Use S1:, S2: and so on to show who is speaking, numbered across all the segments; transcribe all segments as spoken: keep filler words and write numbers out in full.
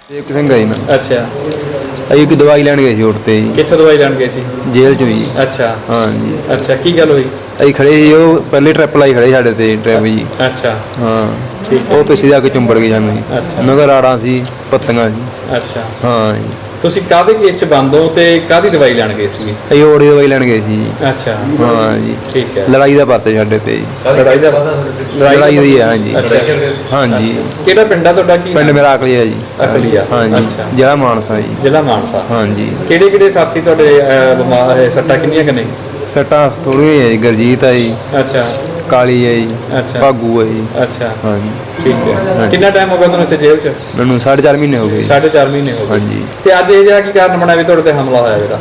S1: एक सिंह है जी ना।
S2: अच्छा
S1: अभी की दवाई लैन गए सी उठते जी
S2: कितों दवाई लैन गए सी?
S1: जेल चो जी।
S2: अच्छा
S1: हाँ जी।
S2: अच्छा की गल हुई?
S1: अभी खड़े ही वो पहले ट्रिप लाई खड़े साढ़े ते ड्राइवर जी।
S2: अच्छा
S1: हाँ
S2: ठीक है।
S1: वो पिछले जाके चुंबड़ गए सानू जी।
S2: अच्छा।
S1: मगर आड़ा सी पत्तियां सी।
S2: अच्छा
S1: हाँ जी।
S2: ਤੁਸੀਂ ਕਾਹਦੇ ਕੇਸ 'ਚ ਬੰਦ ਹੋ ਤੇ ਕਾਹਦੀ ਦਵਾਈ ਲੈਣ ਗਏ ਸੀ?
S1: अभी ओड़ी दवाई लैन गए सी जी।
S2: अच्छा
S1: हाँ जी।
S2: ठीक है।
S1: लड़ाई का परते साढ़े ते जी।
S2: ਲੜਾਈ ਦਾ
S1: लड़ाई दी है हाँ जी।
S2: अच्छा
S1: हाँ जी।
S2: ਕਿਹੜਾ ਪਿੰਡ ਆ ਤੁਹਾਡਾ? ਕੀ
S1: पिंड मेरा अकली है जी।
S2: ਅਕਲੀਆ।
S1: हाँ जी।
S2: अच्छा
S1: जिला मानसा जी।
S2: ਜ਼ਿਲ੍ਹਾ ਮਾਨਸਾ।
S1: हाँ ਜੀ।
S2: ਕਿਹੜੇ ਕਿਹੜੇ ਸਾਥੀ ਤੁਹਾਡੇ ਅਹ, ਬਿਮਾਰ ਹੈ? ਸੱਟਾਂ ਕਿੰਨੀਆਂ ਕਿ ਨਹੀਂ?
S1: सट्टा थोड़ी है जी। गुरजीत है जी,
S2: ਅੱਛਾ
S1: काली है जी,
S2: अच्छा
S1: भागू है जी।
S2: ਅੱਛਾ
S1: हाँ जी।
S2: ਠੀਕ ਹੈ।
S1: ਹਾਂਜੀ।
S2: ਕਿੰਨਾ ਟਾਈਮ ਹੋ ਗਿਆ ਤੁਹਾਨੂੰ ਇੱਥੇ ਜੇਲ੍ਹ 'ਚ?
S1: मैनू साढ़े चार महीने हो गए।
S2: ਸਾਢੇ ਚਾਰ ਮਹੀਨੇ ਹੋ
S1: हाँ
S2: ਗਏ।
S1: जी।
S2: ਤੇ ਅੱਜ ਇਹ ਜਿਹਾ ਕੀ ਕਾਰਨ ਬਣਿਆ ਵੀ ਤੁਹਾਡੇ ਤੇ ਹਮਲਾ ਹੋਇਆ ਜਿਹੜਾ?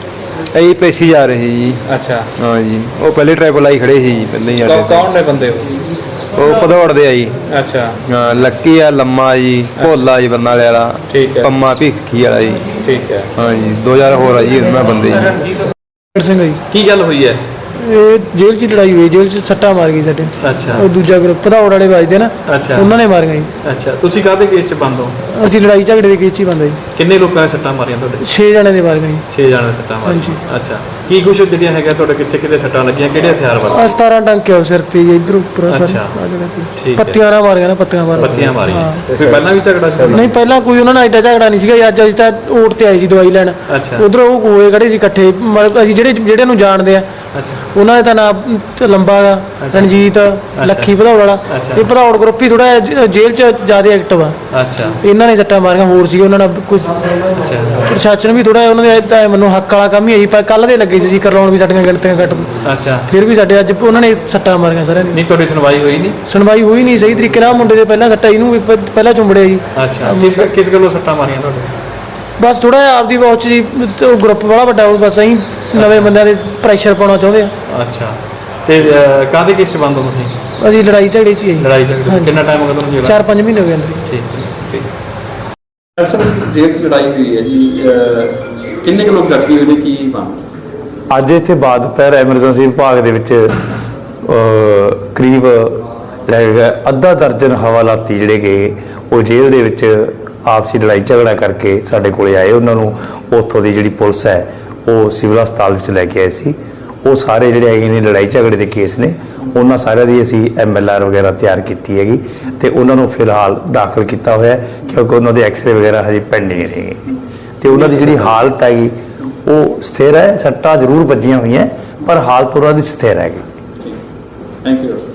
S1: यही पेशी जा रही जी।
S2: ਅੱਛਾ
S1: हाँ जी। वो पहले ट्रैवल आई खड़े ही पहले ही
S2: ਕੌ-
S1: आते
S2: ਕੌਣ ਨੇ ਬੰਦੇ ਉਹ?
S1: वो भदौड़ दे आई।
S2: ਅੱਛਾ
S1: हाँ लक्की है, लम्मा जी, भोला जी बरनाले वाला,
S2: ठीक है।
S1: पम्मा भिखी वाला जी।
S2: ਠੀਕ ਹੈ।
S1: हाँ जी। दो हजार हो रहा जी उन्होंने बंदे जी।
S3: ਸਿੰਘ ਜੀ
S2: ਕੀ ਗੱਲ ਹੋਈ ਹੈ?
S3: ਇਹ ਜੇਲ੍ਹ 'ਚ ਲੜਾਈ ਹੋਈ, ਜੇਲ੍ਹ 'ਚ ਸੱਟਾਂ ਮਾਰ ਗਈ ਸਾਡੇ।
S2: ਅੱਛਾ
S3: ਉਹ ਦੂਜਾ ਗਰੁੱਪ ਭਦੌੜ ਵਾਲੇ ਵੱਜਦੇ ਨਾ,
S2: ਅੱਛਾ
S3: ਉਹਨਾਂ ਨੇ ਮਾਰੀਆਂ ਜੀ।
S2: ਅੱਛਾ ਤੁਸੀਂ ਕਾਹਦੇ ਕੇਸ 'ਚ ਬੰਦ ਹੋ?
S3: ਅਸੀਂ ਲੜਾਈ ਝਗੜੇ ਦੇ ਕੇਸ 'ਚ ਹੀ ਬੰਦਾ ਜੀ।
S2: ਕਿੰਨੇ ਲੋਕਾਂ ਨੇ ਸੱਟਾਂ ਮਾਰੀਆਂ ਤੁਹਾਡੇ?
S3: ਛੇ ਜਣੇ ਦੇ ਮਾਰੀਆਂ ਜੀ।
S2: ਛੇ ਜਣੇ ਸੱਟਾਂ ਮਾਰੀਆਂ।
S3: ਹਾਂਜੀ।
S2: ਅੱਛਾ ਕੀ ਕੁਛ ਜਿਹੜੀਆਂ ਹੈਗਾ ਤੁਹਾਡੇ ਕਿੱਥੇ ਕਿੱਥੇ ਸੱਟਾਂ ਲੱਗੀਆਂ? ਕਿਹੜੇ ਹਥਿਆਰ ਵਾਲੇ?
S3: ਆ ਸਤਾਰਾਂ ਟੰਕੇ ਆ ਸਿਰ ਤੇ ਜੀ, ਇੱਧਰ ਉੱਪਰ ਆ ਸਾਰੇ
S2: ਅੱਛਾ।
S3: ਆ ਜਗ੍ਹਾ ਤੇ।
S2: ਠੀਕ ਹੈ।
S3: ਪੱਤੀਆਂ ਨਾਲ ਮਾਰੀਆਂ ਨਾ, ਪੱਤੀਆਂ ਮਾਰ
S2: ਪੱਤੀਆਂ ਮਾਰੀਆਂ।
S3: ਹਾਂ।
S2: ਫਿਰ ਪਹਿਲਾਂ ਵੀ ਝਗੜਾ ਸੀ?
S3: ਨਹੀਂ ਪਹਿਲਾਂ ਕੋਈ ਉਹਨਾਂ ਨਾਲ ਐਡਾ ਝਗੜਾ ਨਹੀਂ ਸੀਗਾ ਜੀ। ਅੱਜ ਅਸੀਂ ਤਾਂ ਓਟ ਤੇ ਆਏ ਸੀ ਦਵਾਈ ਲੈਣ।
S2: ਅੱਛਾ
S3: ਉਧਰੋਂ ਉਹ ਹੋਏ ਖੜੇ ਸੀ ਇਕੱਠੇ, ਮਤਲਬ ਅਸੀਂ ਜਿਹੜੇ ਜਿਹੜਿਆਂ ਨੂੰ ਜਾਣਦੇ ਆ
S2: ਅੱਛਾ
S3: ਉਹਨਾਂ ਦਾ ਤਾਂ ਨਾਮ ਲੰਬਾ ਗਾ, ਰਣਜੀਤ, ਲੱਖੀ ਭਦੌੜ ਵਾਲਾ।
S2: ਅੱਛਾ।
S3: ਇਹ ਭਦੌੜ ਗਰੁੱਪ ਹੀ ਥੋੜਾ ਜੇਲ੍ਹ 'ਚ ਜ਼ਿਆਦਾ ਐਕਟਿਵ ਆ।
S2: ਅੱਛਾ
S3: ਇਹਨਾਂ ਨੇ ਸੱਟਾਂ ਮਾਰੀਆਂ, ਹੋਰ ਸੀ ਉਹਨਾਂ ਨਾਲ ਕੁਝ
S2: ਅੱਛਾ
S3: ਪ੍ਰਸ਼ਾਸਨ ਵੀ ਥੋੜਾ ਉਹਨਾਂ ਦੇ ਤਾਂ ਮੈਨੂੰ ਹੱਕ ਵਾਲਾ ਕੰਮ ਹੀ ਹੈ ਜੀ। ਪਰ ਕੱਲ ਦੇ ਲੱਗੇ ਸੀ ਜੀ ਕਰਵਾਉਣ ਵੀ ਸਾਡੀਆਂ ਗਿਣਤੀਆਂ ਕੱਟ,
S2: ਅੱਛਾ
S3: ਫਿਰ ਵੀ ਸਾਡੇ ਅੱਜ ਉਹਨਾਂ ਨੇ ਸੱਟਾਂ ਮਾਰੀਆਂ ਸਾਰਿਆਂ ਦੀ।
S2: ਨਹੀਂ ਤੁਹਾਡੀ ਸੁਣਵਾਈ ਹੋਈ ਨਹੀਂ?
S3: ਸੁਣਵਾਈ ਹੋਈ ਨਹੀਂ ਸਹੀ ਤਰੀਕੇ ਨਾਲ। ਮੁੰਡੇ ਦੇ ਪਹਿਲਾਂ ਸੱਟਾਂ, ਇਹਨੂੰ ਵੀ ਪ- ਪਹਿਲਾਂ ਚੁੰਬੜਿਆ ਜੀ।
S2: ਅੱਛਾ ਕਿਸ ਕਿਸ ਗੱਲੋਂ ਸੱਟਾਂ ਮਾਰੀਆਂ ਤੁਹਾਡੇ?
S3: ਬਸ ਥੋੜਾ ਜਿਹਾ ਆਪਦੀ ਵਾਚ ਜੀ, ਤੇ ਉਹ ਗਰੁੱਪ ਬੜਾ ਵੱਡਾ, ਉਹ ਬਸ ਅਸੀਂ ਨਵੇਂ ਬੰਦਿਆਂ ਦੇ ਪ੍ਰੈਸ਼ਰ ਪਾਉਣਾ ਚਾਹੁੰਦੇ ਆ।
S2: ਅੱਛਾ ਤੇ ਅਹ, ਕਾਹਦੇ ਕੇਸ 'ਚ ਬੰਦ ਹੋ ਤੁਸੀਂ?
S3: ਅਸੀਂ ਲੜਾਈ ਝਗੜੇ 'ਚ ਹੀ ਆ ਜੀ।
S2: ਲੜਾਈ ਝਗੜੇ?
S3: ਹਾਂਜੀ।
S2: ਕਿੰਨਾ ਟਾਈਮ ਹੋ ਗਿਆ ਤੁਹਾਨੂੰ ਜੇਲ੍ਹ?
S3: ਚਾਰ ਪੰਜ ਮਹੀਨੇ ਹੋ ਗਏ ਅੰਦਰ ਜੀ।
S2: ਠੀਕ ਠੀਕ ਡਾਕਟਰ ਸਾਹਿਬ ਜੇਲ੍ਹ 'ਚ ਲੜਾਈ ਹੋਈ ਹੈ ਜੀ, ਅਹ, ਕਿੰਨੇ ਕੁ ਲੋਕ ਜ਼ਖਮੀ ਹੋਏ ਨੇ? ਕੀ ਬਣ
S4: ਅੱਜ ਇੱਥੇ ਬਾਅਦ ਦੁਪਹਿਰ ਐਮਰਜੈਂਸੀ ਵਿਭਾਗ ਦੇ ਵਿੱਚ ਅਹ, ਕਰੀਬ ਲੱਗੇਗਾ ਅੱਧਾ ਦਰਜਨ ਹਵਾਲਾਤੀ ਜਿਹੜੇ ਕਿ ਉਹ ਜੇਲ੍ਹ ਦੇ ਵਿੱਚ ਆਪਸੀ ਲੜਾਈ ਝਗੜਾ ਕਰਕੇ ਸਾਡੇ ਕੋਲੇ ਆਏ। ਉਹਨਾਂ ਨੂੰ ਉੱਥੋਂ ਦੀ ਜਿਹੜੀ ਪੁਲਿਸ ਹੈ ਉਹ ਸਿਵਲ ਹਸਪਤਾਲ ਵਿੱਚ ਲੈ ਕੇ ਆਏ ਸੀ। ਉਹ ਸਾਰੇ ਜਿਹੜੇ ਹੈਗੇ ਨੇ ਲੜਾਈ ਝਗੜੇ ਦੇ ਕੇਸ ਨੇ, ਉਹਨਾਂ ਸਾਰਿਆਂ ਦੀ ਅਸੀਂ ਐਮ ਐਲ ਆਰ ਵਗੈਰਾ ਤਿਆਰ ਕੀਤੀ ਹੈਗੀ ਤੇ ਉਹਨਾਂ ਨੂੰ ਫਿਲਹਾਲ ਦਾਖਲ ਕੀਤਾ ਹੋਇਆ ਹੈ, ਕਿਉਂਕਿ ਉਹਨਾਂ ਦੇ ਐਕਸਰੇ ਵਗੈਰਾ ਹਜੇ ਪੈਂਡਿੰਗ ਰਹੇਗੇ ਤੇ ਉਹਨਾਂ ਦੀ ਜਿਹੜੀ ਹਾਲਤ ਹੈਗੀ ਉਹ ਸਥਿਰ ਹੈ। ਸੱਟਾਂ ਜ਼ਰੂਰ ਵੱਜੀਆਂ ਹੋਈਆਂ ਪਰ ਹਾਲਤ ਉਹਨਾਂ ਦੀ ਸਥਿਰ ਹੈਗੀ।
S2: Thank you.